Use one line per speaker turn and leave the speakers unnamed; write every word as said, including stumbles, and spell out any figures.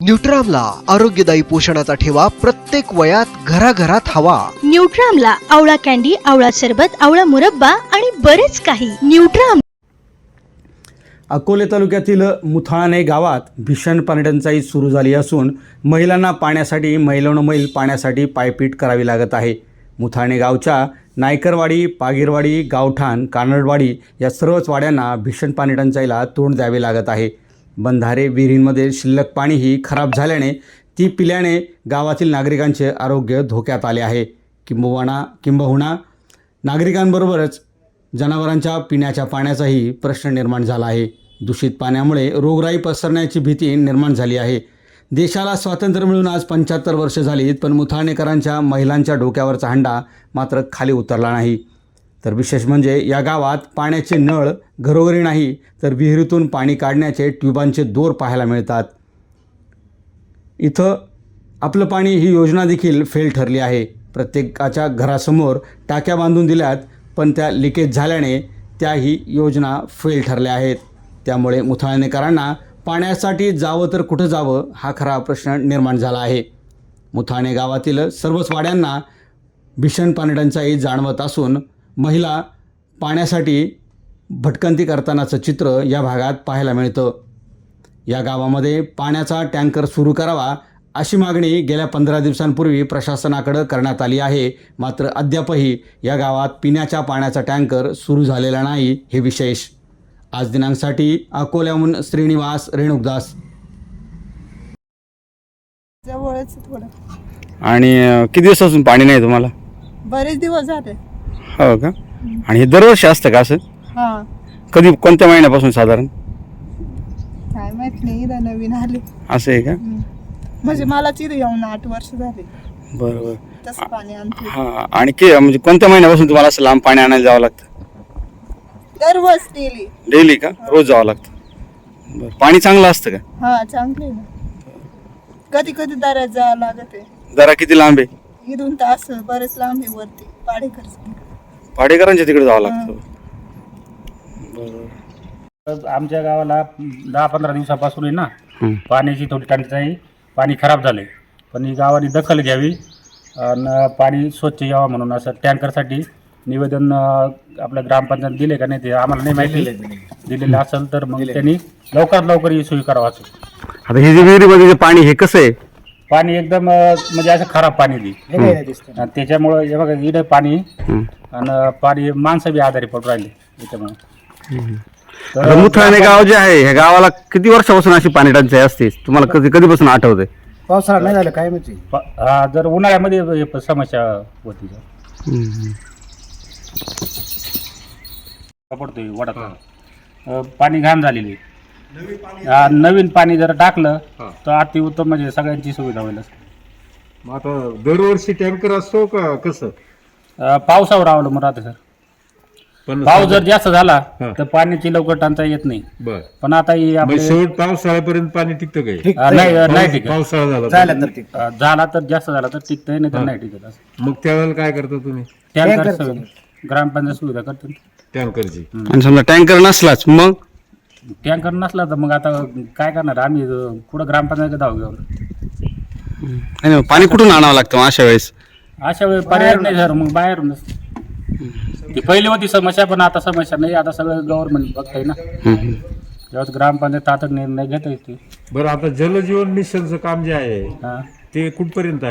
न्यूट्रामला आरोग्यदायी पोषणाचा ठेवा प्रत्येक वयात घराघरात हवा.
न्यूट्रामला आवळा कॅन्डी, आवळा सरबत, आवळा मुरब्बा आणि बरेच काही. न्यूट्राम.
अकोले तालुक्यातील मुथाणे गावात भीषण पाणीटंचाई सुरू झाली असून महिलांना पाण्यासाठी मैलोनमैल पाण्यासाठी पायपीट करावी लागत आहे. मुथाणे गावच्या नायकरवाडी, पागीरवाडी, गावठाण, कानडवाडी या सर्वच वाड्यांना भीषण पाणीटंचाईला तोंड द्यावे लागत आहे. बंधारे, विहिरींमध्ये शिल्लक पाणीही खराब झाल्याने ती पिल्याने गावातील नागरिकांचे आरोग्य धोक्यात आले आहे. किंबहुना किंबहुना नागरिकांबरोबरच जनावरांच्या पिण्याच्या पाण्याचाही प्रश्न निर्माण झाला आहे. दूषित पाण्यामुळे रोगराई पसरण्याची भीती निर्माण झाली आहे. देशाला स्वातंत्र्य मिळून आज पंच्याहत्तर वर्ष झालीत, पण मुथाणेकरांच्या महिलांच्या डोक्यावरचा हंडा मात्र खाली उतरला नाही. तर विशेष म्हणजे या गावात पाण्याचे नळ घरोघरी नाही, तर विहिरीतून पाणी काढण्याचे ट्यूबांचे दोर पाहायला मिळतात. इथं आपलं पाणी ही योजना देखील फेल ठरली आहे. प्रत्येकाच्या घरासमोर टाक्या बांधून दिल्यात, पण त्या लिकेज झाल्याने त्याही योजना फेल ठरल्या आहेत. त्यामुळे मुथाणेकरांना पाण्यासाठी जावं तर कुठं जावं हा खरा प्रश्न निर्माण झाला आहे. मुथाणे गावातील सर्वच वाड्यांना भीषण पाणीटंचाई जाणवत असून महिला पाण्यासाठी भटकंती करतानाचं चित्र या भागात पाहायला मिळतं. या गावामध्ये पाण्याचा टँकर सुरू करावा अशी मागणी गेल्या पंधरा दिवसांपूर्वी प्रशासनाकडे करण्यात आली आहे. मात्र अद्यापही या गावात पिण्याच्या पाण्याचा टँकर सुरू झालेला नाही हे विशेष. आज दिनांकसाठी अकोल्याहून श्रीनिवास रेणुकदास.
जवळच थोडं.
आणि किती दिवसापासून पाणी नाही तुम्हाला?
बरेच दिवस झाले.
हो का? आणि हे दरवर्षी असतं का असं?
हा,
कधी कोणत्या महिन्यापासून साधारण?
काय माहित नाही, इथं नवीन आले.
असं आहे का?
म्हणजे मला तिथे येऊन आठ वर्ष झाले.
बरोबर.
तसं पाणी आणते.
हां. आणि की म्हणजे कोणत्या महिन्यापासून तुम्हाला असं लांब पाणी आणायला जावं लागतं?
दररोज डेली.
डेली का? रोज जावं लागतं. बरं. पाणी चांगलं असतं का?
हा, चांगले ना. कधी कधी दरात जावं लागत आहे.
जरा किती लांब आहे?
इथून तास बरेच लांब आहे वरती पाडेकर.
भाडेकरांच्या तिकडे जावं लागतं. बरोबर.
आमच्या गावाला दहा पंधरा दिवसापासून आहे ना
हं.
पाण्याची थोडी टंचाई, पाणी खराब झाले. पण ही गावाने दखल घ्यावी आणि पाणी स्वच्छ यावं म्हणून असं टँकरसाठी निवेदन अं, आपल्या ग्रामपंचायत दिले का नाही ते आम्हाला नाही माहिती. दिलेलं असेल तर मग त्यांनी लवकरात लवकर ही सोयी करावं. असं
आता हे जे विहिरीमध्ये जे पाणी हे कसं आहे?
पाणी एकदम अं, म्हणजे असं खराब पाणी दी त्याच्यामुळं हे बघा इकडे पाणी
हं.
आणि पाणी माणसं बी आजारी पडून राहिले त्याच्यामुळे.
आता मुथाणे गाव जे आहे ह्या गावाला किती वर्षापासून अशी पाणी टंचाई असते? तुम्हाला कधी कधीपासून आठवते?
पावसाळा नाही झालं काय माहिती.
प- हा, जर उन्हाळ्यामध्ये हे प- समस्या होती पडतोय वडात अं, पाणी घाण झालेली. हा, नवीन पाणी जर टाकलं तर अति उत्तम, म्हणजे सगळ्यांची सुविधा होईल.
मग आता दरवर्षी टँकर असतो का कसं?
अं, पावसावर अवलंबून राहते सर.
पण
पाऊस जर जास्त झाला
हा.
तर पाण्याची लवकर टंचाई येत नाही.
बर,
पण आता ही
मग
आपले
शेवट पावसाळ्यापर्यंत पाणी टिकतं काय?
अं, नाही अं, नाही टिकत.
पावसाळा झाला
झालं
तर?
तर ते
अं, झाला तर जास्त झाला तर टिकतंय, नाही तर नाही टिकत. असं
मग त्यावेळेला काय करता तुम्ही?
टँकर सुविधा, ग्रामपंचायत सुविधा करते.
टँकरची.
आणि समजा टँकर नसलाच मग?
टँकर नसला तर मग आता काय करणार आम्ही, अं, पुढं ग्रामपंचायत धाव घेऊन.
नाही नाही, पाणी कुठून आणावं लागतं मग अशा वेळेस?
अशा वेळी पर्याय नाही सर, मग बाहेरूनच. ती पहिली होती समस्या, पण आता समस्या नाही. आता सगळं गव्हर्नमेंट बघताय ना.
हं.
जेव्हा ग्रामपंचायत तातड निर्णय घेता येते.
बरं, आता जलजीवन मिशनचं काम जे आहे
हा.
ते कुठपर्यंत आहे?